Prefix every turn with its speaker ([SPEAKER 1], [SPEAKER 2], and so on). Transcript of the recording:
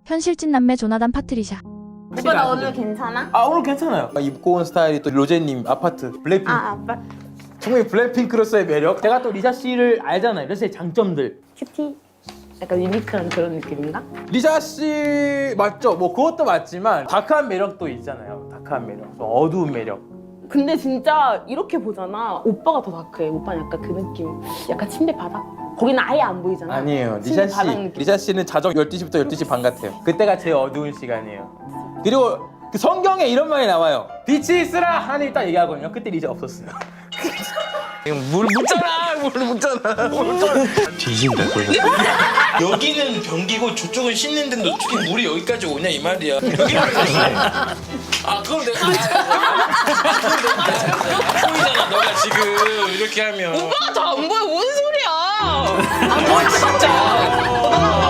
[SPEAKER 1] 현실찐 남매 조나단 파트리샤.
[SPEAKER 2] 오빠 나 오늘 괜찮아?
[SPEAKER 3] 아 오늘 괜찮아요. 입고 온 스타일이 또 로제님 아파트 블랙핑크.
[SPEAKER 2] 아빠
[SPEAKER 3] 정말 블랙핑크로서의 매력. 제가 또 리샤 씨를 알잖아요. 리샤 씨의 장점들.
[SPEAKER 2] 큐티 약간 유니크한 그런 느낌인가?
[SPEAKER 3] 리샤 씨 맞죠? 뭐 그것도 맞지만 다크한 매력도 있잖아요. 다크한 매력, 좀 어두운 매력.
[SPEAKER 2] 근데 진짜 이렇게 보잖아 오빠가 더 다크해. 오빠는 약간 그 느낌 약간 침대 바닥? 거기는 아예 안 보이잖아.
[SPEAKER 3] 아니에요.
[SPEAKER 2] 침대
[SPEAKER 3] 리샤
[SPEAKER 2] 바닥
[SPEAKER 3] 씨,
[SPEAKER 2] 느낌.
[SPEAKER 3] 리샤 씨는 자정 12시부터 12시 반 같아요. 그때가 제일 어두운 시간이에요. 그리고 그 성경에 이런 말이 나와요. 빛이 있으라 하나님이 딱 얘기하거든요. 그때 리샤 없었어요. 물 묻잖아.
[SPEAKER 4] 뒤진다 그거. 여기는 변기고 저쪽은 씻는 데인데 어떻게 물이 여기까지 오냐 이 말이야. 여기는 아 그럼 내가 보이잖아 너가 지금 이렇게 하면.
[SPEAKER 5] 오빠가 더 안 보여. 뭔 소리야? 안 보여 진짜.